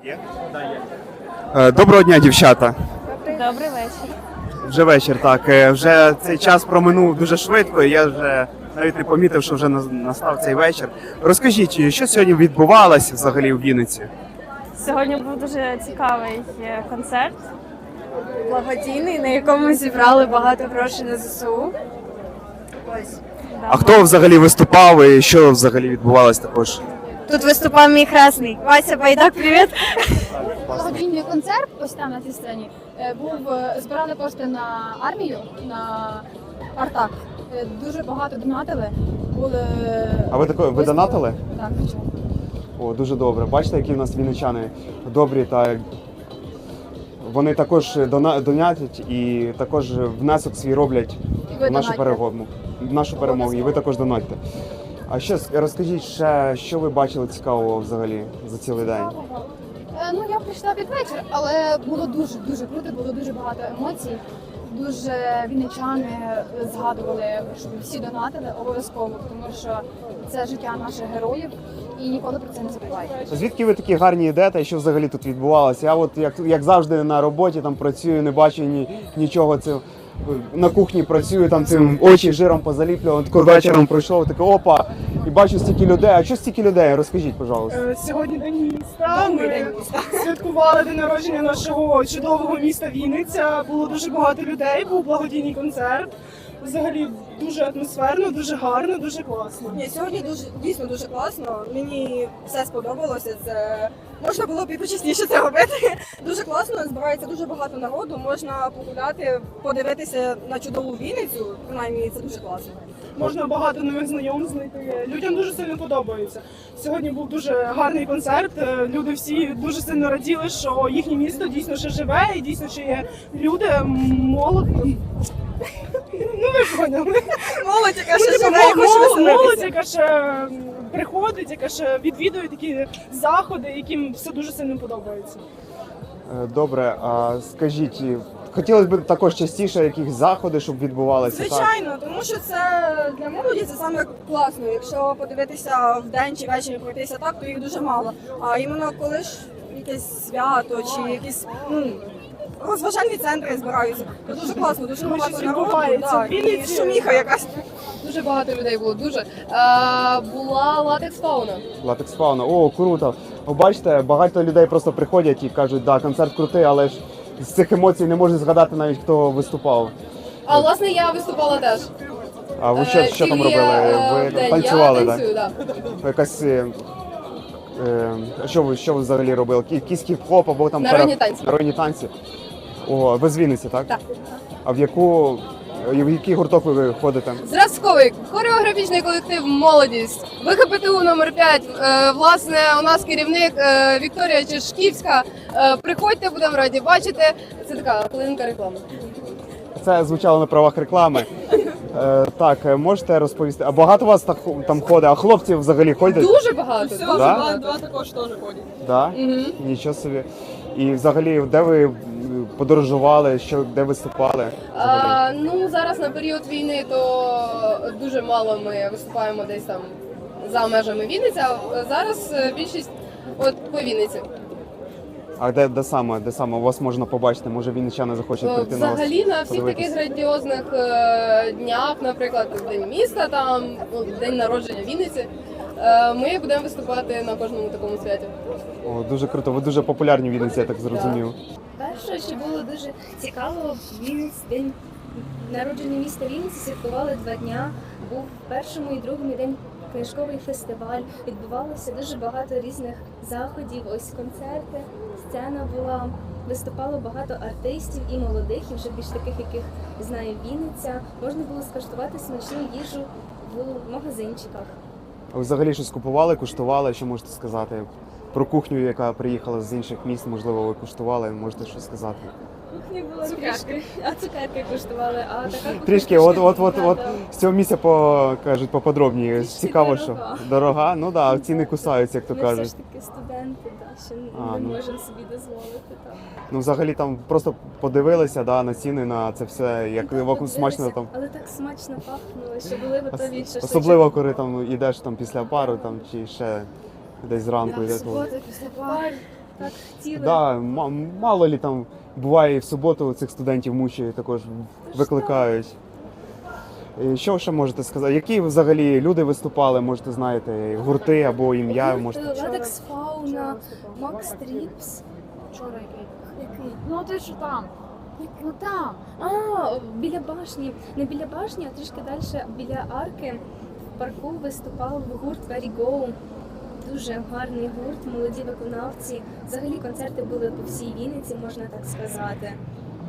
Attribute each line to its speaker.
Speaker 1: Є? Доброго дня, дівчата.
Speaker 2: Добрий вечір.
Speaker 1: Вже вечір, так. Вже цей час проминув дуже швидко, і я вже навіть не помітив, що вже настав цей вечір. Розкажіть, що сьогодні відбувалося взагалі в Вінниці?
Speaker 2: Сьогодні був дуже цікавий концерт.
Speaker 3: Благодійний, на якому зібрали багато грошей на ЗСУ. Ось.
Speaker 1: А хто взагалі виступав і що взагалі відбувалося також?
Speaker 3: Тут виступав мій хресний. Вася Байдак, привіт!
Speaker 4: Благодійний концерт, ось там на цій сцені, був збирали кошти на армію, на Артак. Дуже багато донатили.
Speaker 1: А ви донатили?
Speaker 4: Так, звичайно.
Speaker 1: О, дуже добре. Бачите, які в нас вінничани добрі та вони також донатять і також внесок свій роблять
Speaker 4: ви
Speaker 1: в нашу
Speaker 4: донатьте.
Speaker 1: перемогу. В нашу перемогу. І ви також донатьте. А ще розкажіть ще, що ви бачили цікавого взагалі за цілий день?
Speaker 4: Ну, я прийшла під вечір, але було дуже круто, було дуже багато емоцій. Дуже вінничани згадували, щоб всі донатили обов'язково, тому що це життя наших героїв і ніколи про це не забувають.
Speaker 1: Звідки ви такі гарні йдете, що взагалі тут відбувалося? Я от як завжди на роботі там працюю, не бачу нічого цього. На кухні працюю, там цим очі жиром позаліплював, тако вечором пройшов, таке опа, і бачу стільки людей. А що стільки людей? Розкажіть, пожалуйста.
Speaker 5: Сьогодні День міста. Ми святкували день народження нашого чудового міста Вінниця. Було дуже багато людей, був благодійний концерт. Взагалі дуже атмосферно, дуже гарно, дуже класно.
Speaker 3: Ні, сьогодні дійсно дуже класно. Мені все сподобалося. Це можна було б і почесніше це робити. Дуже класно, збирається дуже багато народу. Можна погуляти, подивитися на чудову Вінницю. Принаймні, це дуже класно.
Speaker 5: Можна багато нових знайомств знайти. Людям дуже сильно подобається. Сьогодні був дуже гарний концерт. Люди всі дуже сильно раділи, що їхнє місто дійсно ще живе і дійсно ще є люди, молодь. Ну ви поняли.
Speaker 3: Молодь, яка ще живе і хоче
Speaker 5: Молодь,
Speaker 3: веселитися.
Speaker 5: яка ще приходить, яка ще відвідує такі заходи, яким все дуже сильно подобається.
Speaker 1: Добре, а скажіть, хотілося б також частіше якісь заходи, щоб відбувалися? Так?
Speaker 3: Звичайно, тому що це для молоді це саме класно. Якщо подивитися вдень чи ввечері пройтися так, то їх дуже мало. А іменно коли ж якесь свято чи якісь розважальні центри збираються, то дуже класно, дуже
Speaker 5: Тому що
Speaker 3: багато народу,
Speaker 5: відбувається
Speaker 3: да,
Speaker 5: в
Speaker 3: і
Speaker 5: Вінниці.
Speaker 3: шуміха якась.
Speaker 6: Дуже багато людей було, дуже. Була латекс фауна.
Speaker 1: Латекс фауна. О, круто. Ви бачите, багато людей просто приходять і кажуть, да, концерт крутий, але ж з цих емоцій не можна згадати навіть, хто виступав.
Speaker 6: А власне я виступала теж.
Speaker 1: А ви що там
Speaker 6: Тільки,
Speaker 1: робили? Ви
Speaker 6: вдень.
Speaker 1: танцювали,
Speaker 6: Я
Speaker 1: так?
Speaker 6: танцюю, так.
Speaker 1: Якась що ви взагалі робили? Якийсь хіп-хоп або там
Speaker 6: Народні танці.
Speaker 1: Народні танці. О, ви з Вінниці, так?
Speaker 6: Так.
Speaker 1: А в який гурток ви ходите?
Speaker 6: Зразковий хореографічний колектив «Молодість». ВХПТУ номер 5. Власне, у нас керівник Вікторія Чешківська. Приходьте, будемо раді бачити. Це така хвилинка реклами.
Speaker 1: Це звучало на правах реклами. Так, можете розповісти? А багато вас там ходить? А хлопці взагалі ходять?
Speaker 6: Дуже багато.
Speaker 1: Да?
Speaker 3: Два також теж ходять.
Speaker 1: Да?
Speaker 6: Мгм.
Speaker 1: Нічого собі. І взагалі, де ви подорожували, де виступали? Взагалі?
Speaker 6: Ну, зараз на період війни то дуже мало ми виступаємо десь там за межами Вінниці, а зараз більшість от по Вінниці.
Speaker 1: А де саме вас можна побачити? Може вінничани захочуть прийти на вас?
Speaker 6: Взагалі на всіх
Speaker 1: подивитись?
Speaker 6: таких грандіозних днях, наприклад, День міста, там, День народження Вінниці, ми будемо виступати на кожному такому святі.
Speaker 1: О, дуже круто. Ви дуже популярні в Вінниці, я так зрозумів.
Speaker 7: Перше, що було дуже цікаво, день народження міста Вінниці святкували 2 дня. Був в першому і другому день книжковий фестиваль. Відбувалося дуже багато різних заходів, ось концерти, сцена була. Виступало багато артистів і молодих, і вже більш таких, яких знає Вінниця. Можна було скуштувати смачну їжу в магазинчиках.
Speaker 1: А ви взагалі щось купували, куштували? Що можете сказати? Про кухню, яка приїхала з інших міст, можливо, ви куштували, можете щось сказати?
Speaker 7: Кухні було трішки, а цукерки куштували, а така кухня
Speaker 1: Трішки, от з цього місця кажуть поподробніше.
Speaker 7: Трішки
Speaker 1: Цікаво,
Speaker 7: дорога.
Speaker 1: що дорога. Ну так, да, ціни кусаються, як то
Speaker 7: Ми все
Speaker 1: кажуть.
Speaker 7: ж таки студенти, ще
Speaker 1: А,
Speaker 7: не
Speaker 1: ну.
Speaker 7: можемо собі дозволити. Так.
Speaker 1: Ну взагалі там просто подивилися на ціни, на це все, як
Speaker 7: Так,
Speaker 1: вакуум смачно там.
Speaker 7: Але так смачно пахнуло, що були готові шашличок.
Speaker 1: Особливо, коли там йдеш там після пару там чи ще десь зранку йде.
Speaker 7: Субота після пар. так хотіли.
Speaker 1: Да, мало лі там буває і в суботу цих студентів мучають, також викликають. І що ще можете сказати? Які взагалі люди виступали, можете знаєте, гурти або ім'я? Можете...
Speaker 7: Ладекс Фауна, Макс Тріпс.
Speaker 4: Вчора який?
Speaker 7: Який?
Speaker 4: Ну ти що там? Ну там.
Speaker 7: А, біля башні. Не біля башні, а трішки далі біля арки в парку виступав гурт Very Go. Дуже гарний гурт, молоді виконавці. Взагалі концерти були по всій Вінниці, можна так сказати.